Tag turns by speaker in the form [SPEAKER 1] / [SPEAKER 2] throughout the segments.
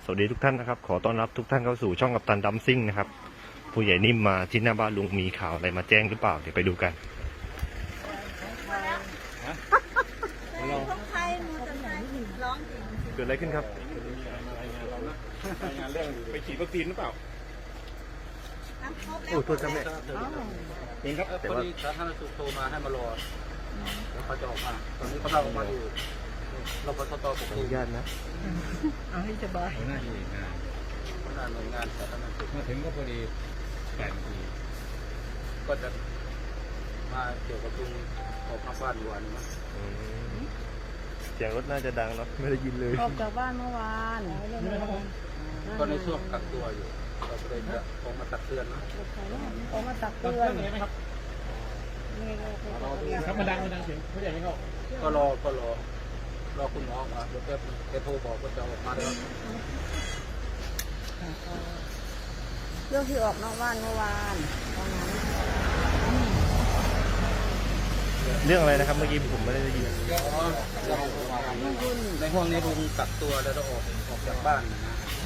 [SPEAKER 1] วัสดีทุกท่านนะครับขอต้อนรับทุกท่านเข้าสู่ช่องกัปตันดัมซิ่งนะครับผู้ใหญ่นิ่มมาที่หน้าบ้านลุงมีข่าวอะไรมาแจ้งหรือเปล่าเดี๋ยวไปดูกันเกิดอะไรขึ้นครับงานเรื่องไปฉีดวัคซีนหรือเปล่าโอ้ตัวจำเนี่ยเองครับแต่ว่าสาธารณสุขโทรมาให้มารอแล้วเขาจะออกมาตอนนี้เขาเราออกมาอยู่เราปตทขออนุญาตนะ
[SPEAKER 2] เอาให้สบาย
[SPEAKER 1] หน้าที่งานหน่วยงานสาธารณสุขมาถึงก็พอดี8 นาทีก็จะมาเกี่ยวกับตรงออกมาบ้านวันนะเสียงรถน่าจะดังเนาะไม่ได้ยินเลย
[SPEAKER 2] ออกจากบ้านเมื่อวาน
[SPEAKER 1] ก็ในช่วงกักตัวอยู่เราก็เลยจะออกมาตักเตือนนะ
[SPEAKER 2] ออกมาตักเตือน
[SPEAKER 1] ครับมาดังเสียงผู้ใหญ่ไม่เข้าก็รอคุณหมอมาเดี๋ยวแกโทรบอกว่าจะออกมาแล้ว
[SPEAKER 2] เรื่องที่ออกนอกบ้านเมื่อวานตอนนั้น
[SPEAKER 1] เรื่องอะไรนะครับเมื่อกี้ผมไม่ได้ยินในห้องนี้ลุงกักตัวแล้วเราออกจากบ้านนะ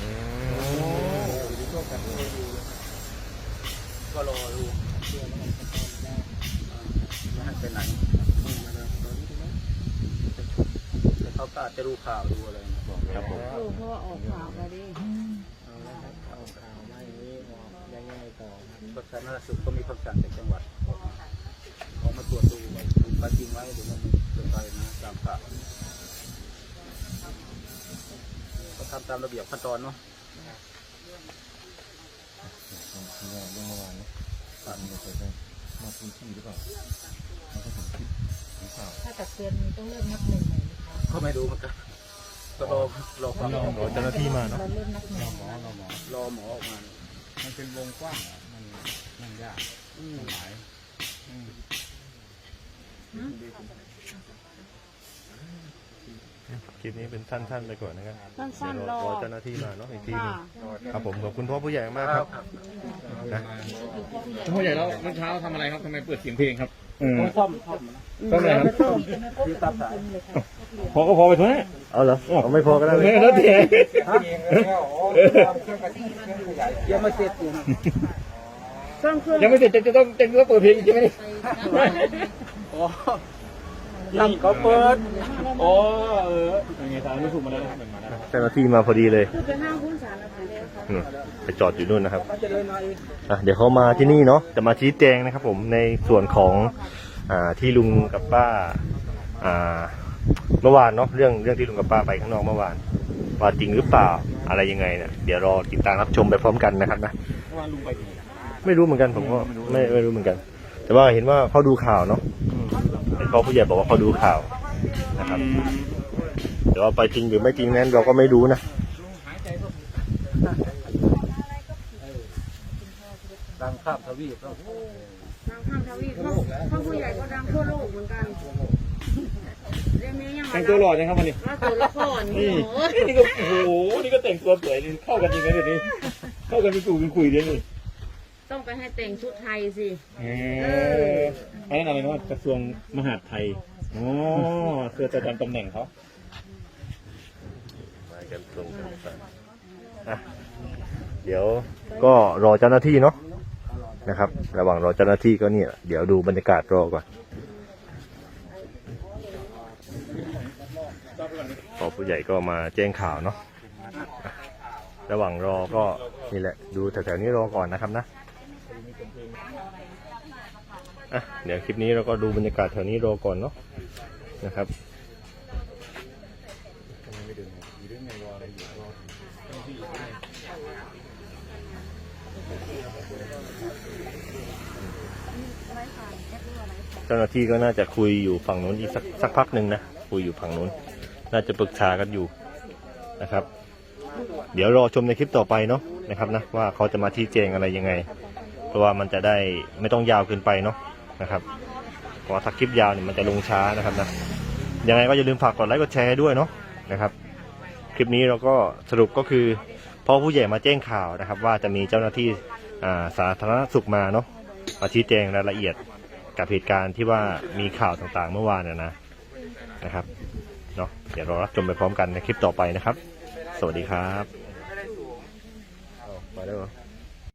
[SPEAKER 1] ก็รอดูไม่ให้ไปไหนเขาก็อาจจะรู้ข่าวดูอะไรครับผม
[SPEAKER 2] รู้เพราะว่าออกข่าวมาดิ
[SPEAKER 1] สาธารณสุขก็มีคำสั่งจากจังหวัดออกมาตรวจดูว่าเป็นจริงไหมหรือว่ามันเป็นไปนะตามข่าวก็ทำตามระเบียบขั้นตอนเนาะเรื่องเมื่อวานนี้มาพื้นที่หรือเปล่า
[SPEAKER 2] ถ้าตักเตือนมีต้องเริ่มนับหนึ่งไหม
[SPEAKER 1] ก็ไม่รู้เหมือนกันก็รอฟังเจ้าหน้าที่มาเนาะ
[SPEAKER 2] เราเริ่มนับหนึ่ง
[SPEAKER 1] รอหมอออกมามันเป็นวงกว้างมันยากมันหลายคลิปนี้เป็นสั้นๆไปก่อนนะครับ
[SPEAKER 2] สั้นๆรอ
[SPEAKER 1] เจ้าหน้าที่มาเนาะอีกทีครับผมขอบคุณพ่อผู้ใหญ่มากครับนะ
[SPEAKER 3] พ่อใหญ่แล้วเมื่อเช้าทำอะไรครับทำไมเปิดเสียงเพลงครับ
[SPEAKER 1] ซ่อม
[SPEAKER 3] อะไรครับ
[SPEAKER 1] ยืดตามสาย
[SPEAKER 3] พอก็พอไปทุกนี่
[SPEAKER 1] เอาเหรอไม่พอก็ได้
[SPEAKER 3] เลยแล้วเดี๋ยว
[SPEAKER 1] ยังไม่เสร็จอยู่
[SPEAKER 3] ยังไม่เสร็จจะต้องเปิดเพลงใช่ไหม
[SPEAKER 1] ตั้งเขาเปิด
[SPEAKER 3] ยังไงทางรู้สึกมาแล้ว
[SPEAKER 1] เจ้าหน้าที่มาพอดีเลย
[SPEAKER 2] คือไปห้างหุ้นสารพัดเลย
[SPEAKER 1] ไปจอดอยู่นู่นนะครับเดี๋ยวเขามาที่นี่เนาะจะมาชี้แจงนะครับผมในส่วนของที่ลุงกับป้าเมื่อวานเนาะเรื่องที่ลุงกับป้าไปข้างนอกเมื่อวานว่าจริงหรือเปล่าอะไรยังไงเนี่ยเดี๋ยวรอติดตามรับชมไปพร้อมกันนะครับนะไม่รู้เหมือนกันผมก็ไม่รู้เหมือนกันแต่ว่าเห็นว่าเขาดูข่าวเนาะเห็นพ่อผู้ใหญ่บอกว่าเขาดูข่าวนะครับแต่ว่าไปจริงหรือไม่จริงนั้นเราก็ไม่รู้นะดังข้ามทวีป
[SPEAKER 2] ดังข้ามทวีปพ่อผู้ใหญ่ก็ดังทั่วโลกเหมือนกัน
[SPEAKER 3] แต่งตัวหล่อจังครับวันนี้
[SPEAKER 2] ตัวละคร
[SPEAKER 3] นี่ก็โอ้โหนี่ก็แต่งตัวสวยเข้ากันจริงนะเดี๋ยวนี้เข้ากันเป็นกลุ่มเป็นคุยเดี๋ยวนี้
[SPEAKER 2] ต้องไปให้แต่งชุดไทยสิ
[SPEAKER 3] ไอ้นั่นอะไรนะกระทรวงมหาดไทยอ๋อเพื่อจะจำตำแหน่งเขา
[SPEAKER 1] มากันตรงกันเดี๋ยวก็รอเจ้าหน้าที่เนาะนะครับระหว่างรอเจ้าหน้าที่ก็เนี่ยเดี๋ยวดูบรรยากาศรอก่อนพอผู้ใหญ่ก็มาแจ้งข่าวเนาะระหว่างรอก็นี่แหละดูแถวๆนี้รอก่อนนะครับนะเดี๋ยวคลิปนี้เราก็ดูบรรยากาศแถวนี้รอก่อนเนาะนะครับเจ้าหน้าที่ก็น่าจะคุยอยู่ฝั่งนู้นอีกสักพักหนึ่งนะคุยอยู่ฝั่งนู้นน่าจะปรึกษากันอยู่นะครับเดี๋ยวรอชมในคลิปต่อไปเนาะนะครับนะว่าเขาจะมาชี้แจงอะไรยังไงเพราะว่ามันจะได้ไม่ต้องยาวเกินไปเนาะนะครับเพราะถ้าคลิปยาวเนี่ยมันจะลงช้านะครับนะยังไงก็อย่าลืมฝากกดไลค์กดแชร์ด้วยเนาะนะครับคลิปนี้เราก็สรุปก็คือพ่อผู้ใหญ่มาแจ้งข่าวนะครับว่าจะมีเจ้าหน้าที่สาธารณสุขมาเนาะมาชี้แจงรายละเอียดกับเหตุการณ์ที่ว่ามีข่าวต่างๆเมื่อวานนะครับเนาะเดี๋ยวเรารับชมไปพร้อมกันในคลิปต่อไปนะครับสวัสดีครับมาแล้วเหรอ